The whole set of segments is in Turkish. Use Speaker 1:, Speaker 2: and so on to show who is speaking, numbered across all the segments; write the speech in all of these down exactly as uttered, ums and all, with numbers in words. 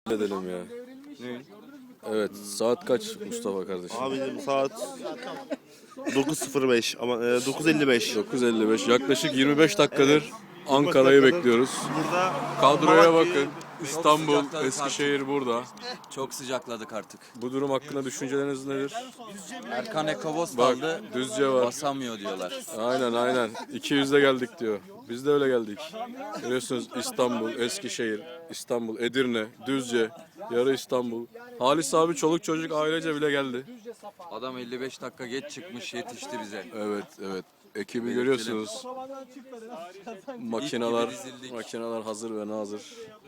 Speaker 1: edelim ya.
Speaker 2: Ne?
Speaker 1: Evet, saat kaç Mustafa kardeşim?
Speaker 2: Abicim saat dokuz sıfır beş ama e, dokuz elli beş.
Speaker 1: dokuz elli beş. Yaklaşık yirmi beş dakikadır
Speaker 2: Evet.
Speaker 1: Ankara'yı
Speaker 2: dakikadır
Speaker 1: bekliyoruz.
Speaker 2: Burada
Speaker 1: Kadroya
Speaker 2: Malatya'yı-
Speaker 1: bakın. İstanbul,
Speaker 3: sıcakladık
Speaker 1: Eskişehir burada.
Speaker 3: Çok sıcakladık artık.
Speaker 1: Bu durum hakkında düşünceleriniz nedir?
Speaker 3: Erkan Ekobos
Speaker 1: Bak,
Speaker 3: kaldı.
Speaker 1: Düzce var.
Speaker 3: Basamıyor diyorlar.
Speaker 1: Aynen aynen. iki yüzde geldik diyor. Biz de öyle geldik. Biliyorsunuz İstanbul, Eskişehir, İstanbul, Edirne, Düzce, yarı İstanbul. Halis abi çoluk çocuk ailece bile geldi.
Speaker 3: Adam elli beş dakika geç çıkmış, yetişti bize.
Speaker 1: Evet evet. Ekibi görüyorsunuz. Makineler,
Speaker 3: İlk gibi dizildik.
Speaker 1: makineler hazır ve nazır.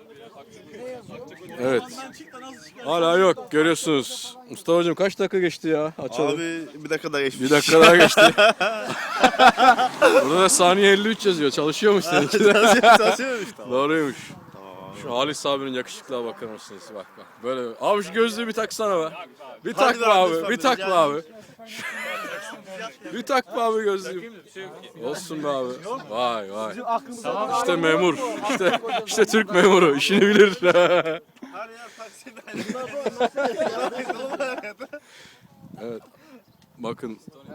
Speaker 1: Evet. Hala yok. Görüyorsunuz. Mustafa'cığım kaç dakika geçti ya? Açalım.
Speaker 2: Abi bir dakika daha geçmiş.
Speaker 1: Bir dakika daha geçti. Burada da saniye elli üç yazıyor. Çalışıyormuş seninki de.
Speaker 2: Çalışıyormuş tamam.
Speaker 1: Doğruymuş. Şu Halis abinin yakışıklığa bakar mısınız? Bak bak. Böyle. Abi şu gözlüğü bir taksana be. Bir
Speaker 2: Hadi
Speaker 1: tak be
Speaker 2: be
Speaker 1: abi.
Speaker 2: lütfen
Speaker 1: Bir
Speaker 2: be,
Speaker 1: tak
Speaker 2: rica
Speaker 1: be abi. Bir tak be abi gözlüğü. Olsun be abi. Vay vay. İşte memur. İşte işte Türk memuru. İşini bilir. Evet. Bakın.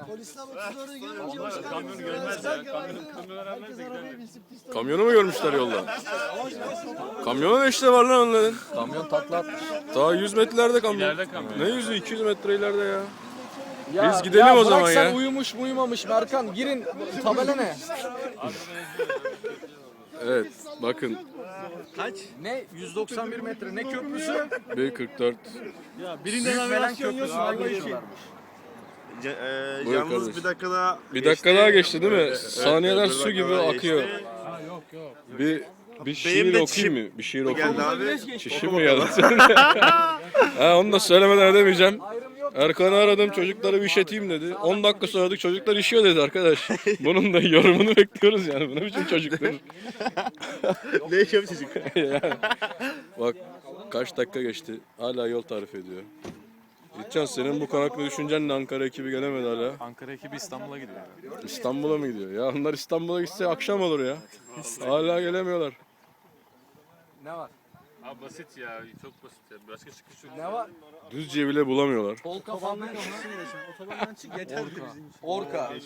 Speaker 1: Kamyonu mu görmüşler yolda? Kamyona ne işte var lan onların?
Speaker 3: Kamyon takla atmış.
Speaker 1: Daha yüz metrelerde kamyon. Ne yüzü iki yüz metre ileride ya.
Speaker 4: Ya,
Speaker 1: Biz gidelim
Speaker 4: ya
Speaker 1: o zaman
Speaker 4: bırak sen
Speaker 1: ya.
Speaker 4: uyumuş mu uyumamış Berkan girin tabela ne?
Speaker 1: Evet bakın
Speaker 4: Ne yüz doksan bir metre ne köprüsü?
Speaker 1: bir kırk dört.
Speaker 4: Büyük Velen köprüsü hangi geçiyorlarmış?
Speaker 2: Ce- e,
Speaker 1: Buyur
Speaker 2: yalnız
Speaker 1: kardeşim.
Speaker 2: bir dakika daha
Speaker 1: Bir
Speaker 2: geçti.
Speaker 1: dakika daha geçti değil mi?
Speaker 2: Evet,
Speaker 1: Saniyeler
Speaker 2: evet, bir
Speaker 1: su
Speaker 2: dakika
Speaker 1: gibi
Speaker 2: daha
Speaker 1: akıyor.
Speaker 2: geçti.
Speaker 1: Bir bir şiir
Speaker 2: Benim de
Speaker 1: okuyayım
Speaker 2: çişim
Speaker 1: mı? Bir şiir
Speaker 2: Geldi
Speaker 1: okuyayım mı?
Speaker 2: abi.
Speaker 1: Çişim mi geldi? Ha, onu da söylemeden edemeyeceğim. Erkan'ı aradım, çocukları bir işeteyim dedi. on dakika sonra çocuklar işiyor dedi arkadaş. Bunun da yorumunu bekliyoruz yani. Bu ne biçim çocuktur?
Speaker 2: Ne yaşıyor bu çocuk?
Speaker 1: Yani. Bak kaç dakika geçti. Hala yol tarif ediyor. İlkcan senin bu konaklı düşüncen ne? Ankara ekibi gelemedi hala.
Speaker 5: Ankara ekibi İstanbul'a gidiyor.
Speaker 1: İstanbul'a mı gidiyor? Ya onlar İstanbul'a gitse akşam olur ya. Hala gelemiyorlar.
Speaker 4: Ne var?
Speaker 5: Abi basit ya, çok basit ya. Başka çıkış yok.
Speaker 4: Ne var?
Speaker 1: Düzce'yi bile bulamıyorlar.
Speaker 4: Kol kafanlık Orka. Orka.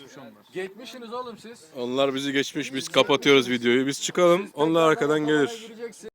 Speaker 4: Geçmişsiniz oğlum siz.
Speaker 1: Onlar bizi geçmiş, biz kapatıyoruz videoyu. Biz çıkalım, onlar arkadan gelir.
Speaker 4: Gireceksin.